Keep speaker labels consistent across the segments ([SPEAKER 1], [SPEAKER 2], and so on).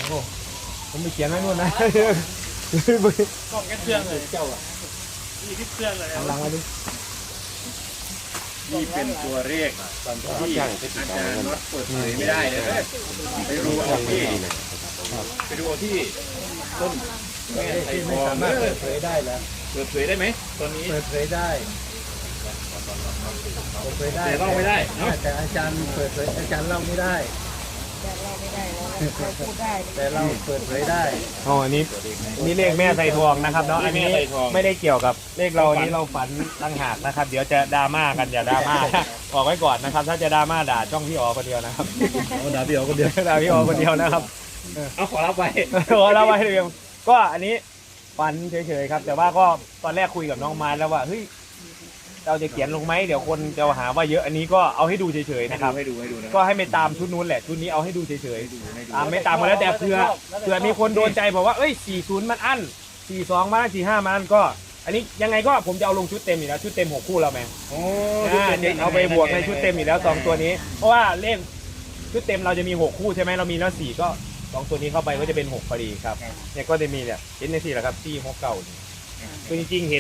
[SPEAKER 1] โอ้ผมไปเขียนไว้นู่นนะ
[SPEAKER 2] กล้องแค่เครื่องเลยเจ้าอ่ะนี่ที่เครื่องเลย
[SPEAKER 1] หลังมาดิ
[SPEAKER 3] นี่เป็นตัวเลขที่อาจารย์น็อตเปิดเผยไม่ได้เลยไปดูเอาที่ต้นแม่ไทยท
[SPEAKER 1] ไม่
[SPEAKER 3] อง
[SPEAKER 1] สามารถเปิดเผยได้แล้ว
[SPEAKER 3] เปิดเผยได้ไหมตอนนี้
[SPEAKER 1] เปิดเผยได้เปิดเผยได้
[SPEAKER 3] แต่เล่าไม่ได้เนาะ
[SPEAKER 1] แต่อาจารย์เปิดเผยอาจารย์เล่าไม่ได้
[SPEAKER 4] แต่เราไม่ได้เราพูดได้
[SPEAKER 1] แต่เราเปิดเผยได้
[SPEAKER 2] อ๋ออันนี้นี่เลขแม่ไทยทองนะครับเนาะอันนี้ไม่ได้เกี่ยวกับเลขเราอันนี้เราฝันตั้งหากนะครับ เดี๋ยวจะดราม่ากันอย่าดราม่าบอกไว้ก่อนนะครับ ถ้าจะดราม่าด่าช่องพี่อ๋อคนเดียวนะครับ
[SPEAKER 1] ด่าพี่อ๋อคนเดียว
[SPEAKER 2] ด่าพี่อ๋อคนเดียวนะครับ
[SPEAKER 3] เอาขอรับไว้
[SPEAKER 2] ขอเล่าไว้เรียงก็อันนี้ฝันเฉยๆครับ แต่ว่าก็ตอนแรกคุยกับน้องไม้แล้วว่าเฮ้ยเราจะเขียนลงไหมเดี๋ยวคนจะหาว่าเยอะอันนี้ก็เอาให้ดูเฉยๆนะครับ
[SPEAKER 3] ให้ดูนะ
[SPEAKER 2] ก็ให้ไม่ตามชุดนู้นแหละชุดนี้เอาให้ดูเฉยๆตามไม่ตามมาแล้วแต่เผื่อมีคนโดนใจบอกว่าเอ้ย40มันอั้น42มา45มันก็ อันนี้ยังไงก็ผมจะเอาลงชุดเต็มอยู่แล้วชุดเต็ม6คู่แล้วแม่
[SPEAKER 3] โอ้
[SPEAKER 2] จะเอาไปบวกในชุดเต็มอยู่แล้ว2ตัวนี้เพราะว่าเลขชุดเต็มเราจะมี6คู่ใช่ไหมเรามีแล้ว4ก็2ตัวนี้เข้าไปก็จะเป็น6พอดีครับเนี่ยก็จะมีเนี่ยเห็นใน4แหละครับ4 6 9คือจริงๆเห็น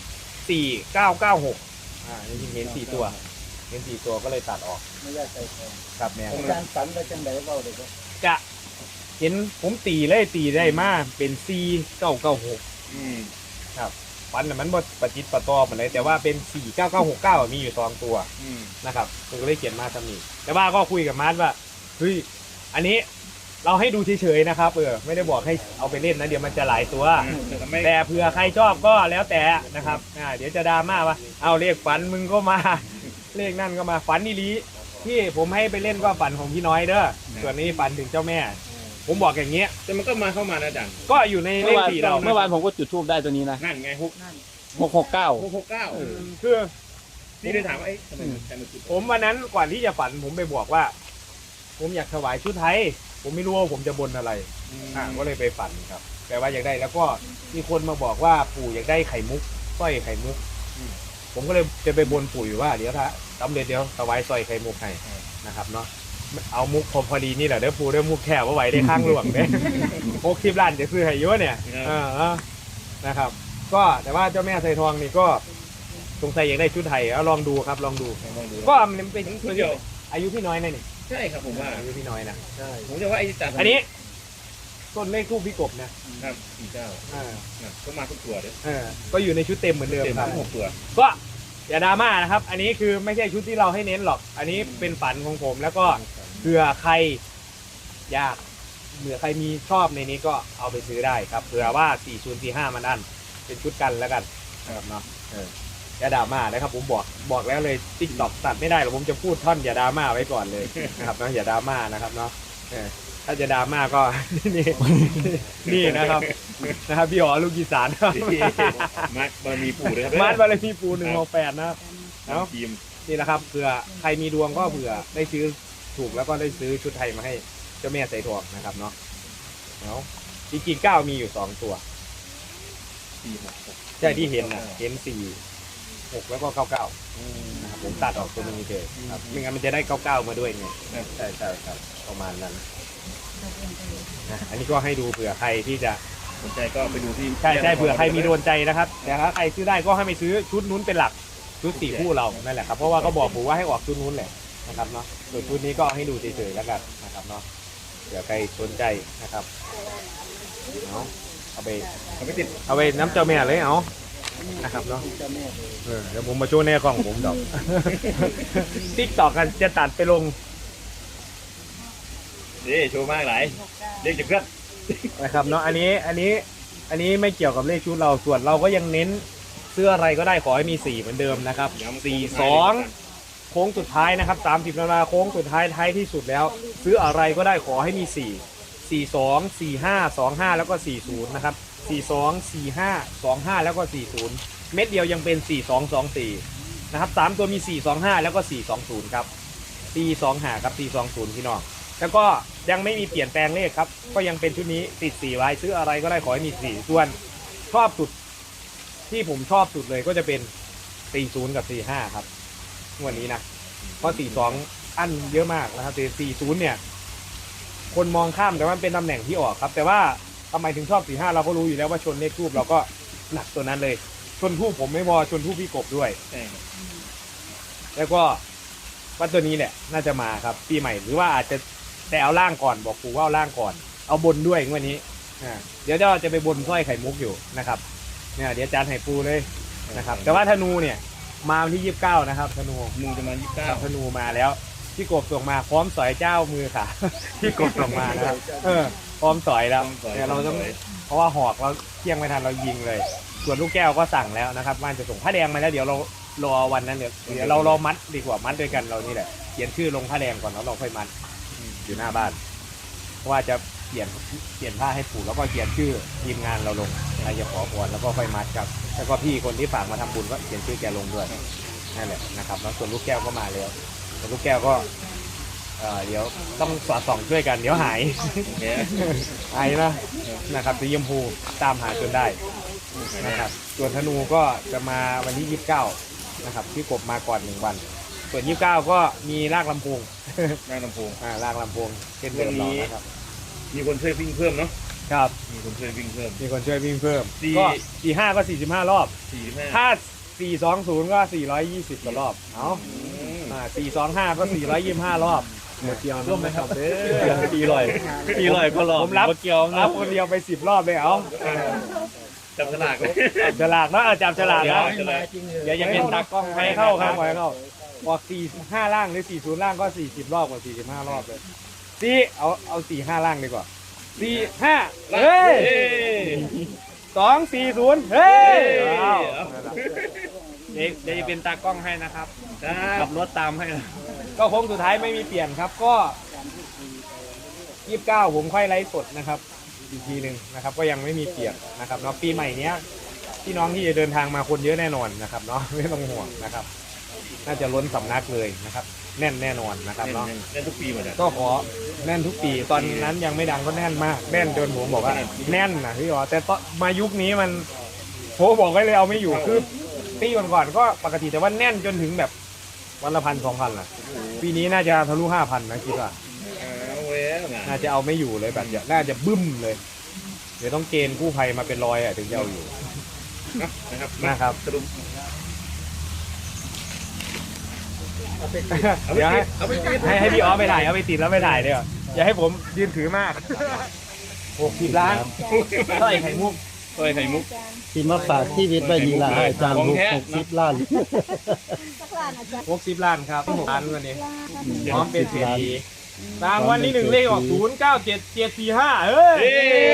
[SPEAKER 2] 4996จริงๆเห็น4ตัวเห็น4ตัวก็เลยตัดออก
[SPEAKER 1] ไม่ได้ใจแทน
[SPEAKER 2] ครับแม่
[SPEAKER 1] อาจารย์ฝันไปจังไหนเปล่าเด็ก
[SPEAKER 2] จะเห็นผมตีเลยตีได้มากเป็น4996ครับฟันน่ะมันบดประจิตประตอมอะไรแต่ว่าเป็น49969มีอยู่2ตัวนะครับผมก็เลยเขียนมาทำนี้แต่ว่าก็คุยกับมาร์ทว่าเฮ้ยอันนี้เราให้ดูเฉยๆนะครับไม่ได้บอกให้เอาไปเล่นนะเดี๋ยวมันจะหลายตัวแต่เผื่อใครชอบก็แล้วแต่นะครับเดี๋ยวจะดราม่าว่าเอาเลขฝันมึงก็มา เลขนั่นก็มาฝันนี่ลีที่ผมให้ไปเล่นก็ฝันของพี่น้อยเด้อส่วนนี้ฝันถึงเจ้าแม่ ผมบอกอย่างเงี้ย
[SPEAKER 3] แต่มันก็มาเข้ามานะอาจารย์
[SPEAKER 2] ก็อยู่ในเลขสี่เรา
[SPEAKER 5] เมื่อวานผมก็จุดทูบได้ตัวนี้นะ
[SPEAKER 3] นั่นไง6
[SPEAKER 5] 669
[SPEAKER 3] 669
[SPEAKER 2] คือ
[SPEAKER 3] นี่เลยถามว่าทำไมอาจารย์มาจุด
[SPEAKER 2] ผมวันนั้นก่อนที่จะฝันผมไปบอกว่า ผมอยากถวายชุดไทย ผมไม่รู้ว่าผมจะบนอะไรก็เลยไปฝันครับ แต่ว่าอยากได้แล้วก็มีคนมาบอกว่าปู่อยากได้ไข่มุกสร้อยไข่มุกผมก็เลยจะไปบนปู่อยู่ว่าเดี๋ยวถ้าสำเร็จเดี๋ยวถวายสร้อยไข่มุกให้นะครับเนาะเอามุกพอดีนี่แหละเด้อปู่เด้อมุกแค่ว่าไหวได้ข้างหลวงเด้60 ล้านจะซื้อให้เยอะเนี่ยนะครับ ก็แต่ว่าเจ้าแม่ไทยทองนี่ก็สงสัยอยากได้ชุดไทยเอาลองดูครับลองดูก็มันเป็นเดียวอายุพี่น้อยนะนี่
[SPEAKER 3] ใช่ครับผมว่า
[SPEAKER 2] อายุพี่น้อยนะ
[SPEAKER 1] ใช่
[SPEAKER 3] ผมจะว่าไอ้จ่า
[SPEAKER 2] อันนี้ต้นเลขทูปพี่กบนะครับ
[SPEAKER 3] ก็มาทุกตัวเลย
[SPEAKER 2] ก็อยู่ในชุดเต็มเหมือนเดิม
[SPEAKER 3] เต็ม
[SPEAKER 2] ครับ
[SPEAKER 3] ทั้ง6ตัว
[SPEAKER 2] ก็อย่าดราม่านะครับ อันนี้คือไม่ใช่ชุดที่เราให้เน้นหรอก อันนี้เป็นฝันของผมแล้วก็เผื่อใครอยากเผื่อใครมีชอบในนี้ก็เอาไปซื้อได้ครับเผื่อว่า4045มันอันเป็นชุดกันแล้วกันนะครับเนาะอย่าดราม่านะครับผมบอกแล้วเลยติ๊กต็อกตัดไม่ได้หรอกผมจะพูดท่อนอย่าดราม่าไว้ก่อนเลยนะครับเนาะอย่าดราม่านะครับเนาะถ้าจะดราม่าก็ นี่นะครับพี่อ๋อลูกอีสานครับ
[SPEAKER 3] มัดบารมีปู่เลยครับ
[SPEAKER 2] มาร์ทบารมีปู168นะครับเนาะ
[SPEAKER 3] ทีม
[SPEAKER 2] นี่แหละครับเผื่อใครมีดวงก็เผื่อได้ซื้อถูกแล้วก็ได้ซื้อชุดไทยมาให้เจ้าแม่ใส่ทองนะครับเนาะเอาจริงๆ9มีอยู่2ตัวใช่ที่เห็นนะเห็น4 6แล้วก็99นะครับผมตัดออกตัวนี้เลยครับไม่งั้นมันจะได้99มาด้วยไงใช่ครับประมาณนั้นนะอันนี้ก็ให้ดูเผื่อใครที่จะ
[SPEAKER 3] สนใจก็ไปดูที่
[SPEAKER 2] ใช่เผื่อใครมีโดนใจนะครับแต่ถ้าใครซื้อได้ก็ให้ไปซื้อชุดนู้นเป็นหลักชุด4คู่เรานั่นแหละครับเพราะว่าก็บอกผมว่าให้ออกชุดนู้นแหละนะครับเนาะส่วนชุดนี้ก็ให้ดูเฉยๆแล้วกันนะครับเนาะเผื่อใครสนใจนะครับเอาไปติดเอาไปน้ำเจ้าแม่เลยเอานะครับเนาะเดี๋ยวผมมาโชว์แน่กล้องผมดอก ติ๊กต่อกันจะตัดไปลง
[SPEAKER 3] นี่โชว์มากหลายเรียกจะเพื่อน
[SPEAKER 2] นะครับเนาะอันนี้ไม่เกี่ยวกับเลขชุดเราส่วนเราก็ยังเน้นเสื้ออะไรก็ได้ขอให้มี4เหมือนเดิมนะครับ42โค้งสุดท้ายนะครับ30นาฬิกาโค้งสุดท้ายท้ายที่สุดแล้วซื้ออะไรก็ได้ขอให้มี4 42 45 25แล้วก็40นะครับ42 45 25แล้วก็40เม็ดเดียวยังเป็น4224นะครับ3ตัวมี425แล้วก็420ครับ425ครับ420พี่น้องแล้วก็ยังไม่มีเปลี่ยนแปลงเลขครับก็ยังเป็นชุดนี้ติด4ไว้ซื้ออะไรก็ได้ขอให้มี4ส่วนชอบสุดที่ผมชอบสุดเลยก็จะเป็น40กับ45ครับวันนี้นะเพราะ42อันเยอะมากนะครับแต่40เนี่ยคนมองข้ามแต่ว่ามันเป็นตำแหน่งที่ออกครับ แต่ว่าทำไมถึงชอบ45เราก็รู้อยู่แล้วว่าชนเลขทูบเราก็หนักตัวนั้นเลยชนทูบผมไม่พอชนทูบพี่กบด้วย แล้วก็ว่าตัวนี้แหละน่าจะมาครับปีใหม่หรือว่าอาจจะแต่เอาล่างก่อนบอกปู่ว่าเอาล่างก่อนเอาบนด้วยงวันนี้เดี๋ยวเราจะไปบนสร้อยไข่มุกอยู่นะครับเนี่ยเดี๋ยวจานไห่ปูเลยนะครับแต่ว่าธนูเนี่ยมาวันที่29นะครับธนู
[SPEAKER 3] มูจะมา29
[SPEAKER 2] ธนูมาแล้วพี่กบส่งมาพร้อมสอยเจ้ามือค่ะ พี่กบส่งมานะครับพร้อมสอยแล้วเนี่ยเราต้องเพราะว่าหอกเราเที่ยงไม่ทันเรายิงเลย ส่วนลูกแก้วก็สั่งแล้วนะครับว่าจะส่งผ้าแดงมาแล้วเดี๋ยวเรารอวันนั้นเดี๋ยวเรารอมัดดีกว่ามัดด้วยกันเรานี่แหละเขียนชื่อลงผ้าแดงก่อนแล้วเราค่อยมัดอยู่หน้าบ้านเพราะว่าจะเปลี่ยนผ้าให้ปู่แล้วก็เขียนชื่อทีมงานเราลงใครจะขอพรแล้วก็ค่อยมัดครับแล้วก็พี่คนที่ฝากมาทำบุญก็เขียนชื่อแกลงด้วยนั่นแหละนะครับแล้วส่วนลูกแก้วก็มาแล้วส่วนลูกแก้วก็เดี๋ยวต้องสอดส่องช่วยกันเดี๋ยวหายหายนะครับสีชมพูตามหาจนได้นะครับส่วนธนูก็จะมาวันที่29นะครับพี่กบมาก่อน1วันส่วน29ก็มีลากลำโพงลากลำโพงเป็นเรื่องนี้นะครับ
[SPEAKER 3] มีคนช่วยวิ่งเพิ่มเนาะ
[SPEAKER 2] ครับ
[SPEAKER 3] มีคนช่วยวิ่งเพิ่ม
[SPEAKER 2] ก็45ก็45รอบ
[SPEAKER 3] 45
[SPEAKER 2] ถ้า420ก็420กว่ารอบเอา425ก็425รอบหมดเกียวร่วมไหมครับ
[SPEAKER 5] ปีลอยก็รอบ
[SPEAKER 2] ผมรับคนเดียวไป10รอบเลยเอา
[SPEAKER 3] จับฉลาก
[SPEAKER 2] ฉลากเนาะจับฉลากแล้วเดี๋ยวจะเป็นตากล้องให้เข้าครับให้เข้าบอก45ล่างหรือ40ล่างก็40รอบกว่า45รอบเลยเอา45ล่างดีกว่า45เฮ้ย240เฮ้ยเดี๋ยวจะเป็นตากล้องให้นะครับขับรถตามให้ก็โค้งสุดท้ายไม่มีเปลี่ยนครับก็29ผมค่อยไลฟ์สดนะครับอีกทีหนึ่งนะครับก็ยังไม่มีเปลี่ยนนะครับเนาะปีใหม่เนี้ยพี่น้องที่จะเดินทางมาคนเยอะแน่นอนนะครับเนาะไม่ต้องห่วงนะครับน่าจะล้นสำนักเลยนะครับแน่นแน่นอนนะครับเนาะ
[SPEAKER 3] แน่นทุกปีหมด
[SPEAKER 2] ก็ขอแน่นทุกปีตอนนั้นยังไม่ดังก็แน่นมากแน่นจนผมบอกว่าแน่นนะพี่อ๋อแต่ตอนมายุคนี้มันโหบอกไว้เลยเอาไม่อยู่คือปีก่อนก็ปกติแต่ว่าแน่นจนถึงแบบวันละ1,000-2,000ล่ะปีนี้น่าจะทะลุ5,000นะคิดว่าน่าจะเอาไม่อยู่เลยแบบน่าจะบึ้มเลยเดี๋ยวต้องเกณฑ์กู้ภัยมาเป็นร้อยถึงจะเอาอยู่นะครับเดี๋ยวให้พี่อ๋อไปถ่ายเอาไปติดแล้วไปถ่ายเดี๋ยวอย่าให้ผมยืนถือมาก60 ล้านสร้อยไข่มุก
[SPEAKER 1] ที่มาฝากชีวิตไว้นี่ล่ะอาจารย์60 ล้าน
[SPEAKER 2] 60 ล้านครับ6 ล้านวันนี้พร้อมเป็นเศรษฐีรางวัลที่1เลขออก097745เฮ้ย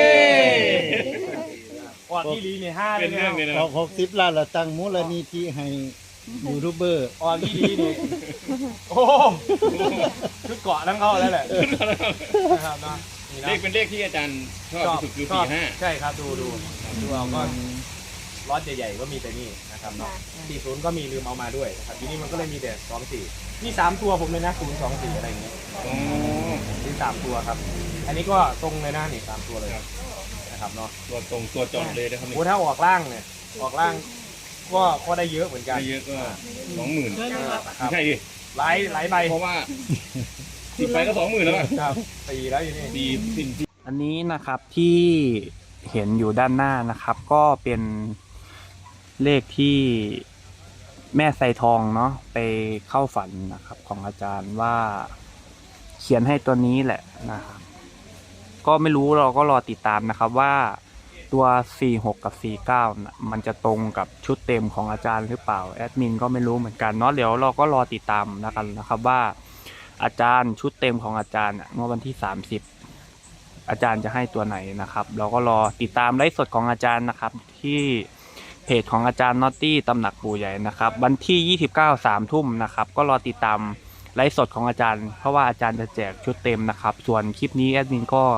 [SPEAKER 2] ออกที่ลีนี่5เลยนะ
[SPEAKER 1] ออก60 ล้านแล้วตั้งมูลนิธิให้ยูทูบเบอร์
[SPEAKER 2] ออกที่ลีนี่โอ้ชุดเกาะทั้งเข้าแล้วแหละนะครับนะ
[SPEAKER 3] เลขเป็นเลขที่อาจารย์ชอบที่สุดคือ45
[SPEAKER 2] ใช่ครับดูเอาก็ล็อตใหญ่ๆก็มีแต่นี่นะครับเนาะ40ก็มีลืมเอามาด้วยนะครับทีนี้มันก็เลยมีแต่24นี่3ตัวผมเลยนะ024อะไรอย่างเงี้ยนี่3ตัวครับอันนี้ก็ตรงเลยนะนี่3ตัวเลยนะครับเนาะ
[SPEAKER 3] ตัวตรงตัวจอดเลยนะครับ
[SPEAKER 2] โอ้ถ้าออกล่างเนี่ยออกล่างก็ได้เยอะเหมือนกัน
[SPEAKER 3] ได้เยอะก็20,000ใช่ดิ
[SPEAKER 2] หลายใบ
[SPEAKER 3] เพราะว่า10 ใบก็ 20,000แล้ว
[SPEAKER 2] ครับตีแล้วอยู่นี่
[SPEAKER 5] อันนี้นะครับที่เห็นอยู่ด้านหน้านะครับก็เป็นเลขที่แม่ไซทองเนาะไปเข้าฝันนะครับของอาจารย์ว่าเขียนให้ตัวนี้แหละนะครับก็ไม่รู้เราก็รอติดตามนะครับว่าตัว46กับ49นะมันจะตรงกับชุดเต็มของอาจารย์หรือเปล่าแอดมินก็ไม่รู้เหมือนกันเนาะเดี๋ยวเราก็รอติดตามนะครับว่าอาจารย์ชุดเต็มของอาจารย์เมื่อวันที่30อาจารย์จะให้ตัวไหนนะครับเราก็รอติดตามไลฟ์สดของอาจารย์นะครับที่เพจของอาจารย์น็อตตี้ตำหนักปู่ใหญ่นะครับวันที่29 3 ทุ่มนะครับก็รอติดตามไลฟ์สดของอาจารย์เพราะว่าอาจารย์จะแจกชุดเต็มนะครับส่วนคลิปนี้แอดมินก็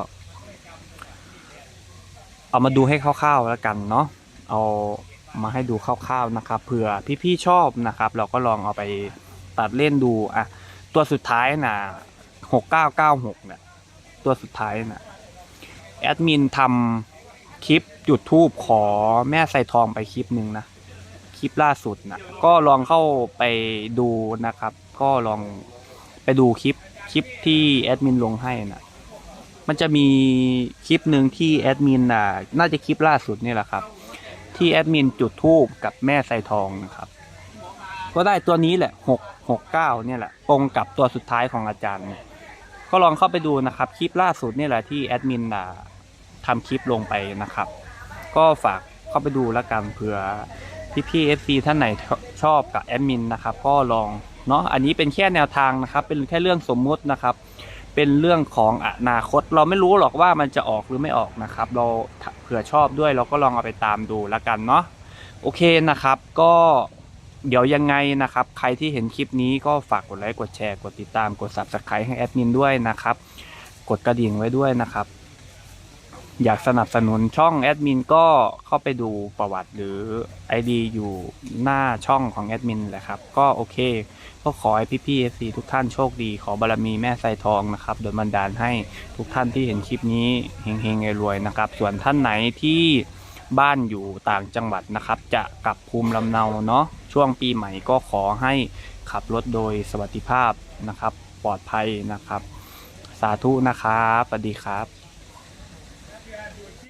[SPEAKER 5] เอามาดูให้คร่าวๆแล้วกันเนาะเอามาให้ดูคร่าวๆนะครับเผื่อพี่ๆชอบนะครับเราก็ลองเอาไปตัดเล่นดูอ่ะตัวสุดท้ายนะ6996เนี่ยตัวสุดท้ายนะแอดมินทำคลิปจุดธูปขอแม่ไซทองไปคลิปหนึ่งนะคลิปล่าสุดนะก็ลองเข้าไปดูนะครับก็ลองไปดูคลิปที่แอดมินลงให้นะมันจะมีคลิปหนึ่งที่แอดมินน่าจะคลิปล่าสุดนี่แหละครับที่แอดมินจุดธูปกับแม่ไซทองนะครับก็ได้ตัวนี้แหละ669เนี่ยแหละตรงกับตัวสุดท้ายของอาจารย์ก็ลองเข้าไปดูนะครับคลิปล่าสุดนี่แหละที่แอดมินทำคลิปลงไปนะครับก็ฝากเข้าไปดูแล้วกันเผื่อพี่ๆ FC ท่านไหนชอบกับแอดมินนะครับก็ลองเนาะอันนี้เป็นแค่แนวทางนะครับเป็นแค่เรื่องสมมุตินะครับเป็นเรื่องของอนาคตเราไม่รู้หรอกว่ามันจะออกหรือไม่ออกนะครับเราเผื่อชอบด้วยเราก็ลองเอาไปตามดูแล้วกันเนาะโอเคนะครับก็เดี๋ยวยังไงนะครับใครที่เห็นคลิปนี้ก็ฝากกดไลค์กดแชร์กดติดตามกด Subscribe ให้แอดมินด้วยนะครับกดกระดิ่งไว้ด้วยนะครับอยากสนับสนุนช่องแอดมินก็เข้าไปดูประวัติหรือ ID อยู่หน้าช่องของแอดมินแหละครับก็โอเคก็ขอให้พี่ๆ FC ทุกท่านโชคดีขอบารมีแม่ไซทองนะครับโดยบันดาลให้ทุกท่านที่เห็นคลิปนี้เฮงๆรวยๆนะครับส่วนท่านไหนที่บ้านอยู่ต่างจังหวัดนะครับจะกลับภูมิลำเนาเนาะช่วงปีใหม่ก็ขอให้ขับรถโดยสวัสดิภาพนะครับปลอดภัยนะครับสาธุนะครับสวัสดีครับ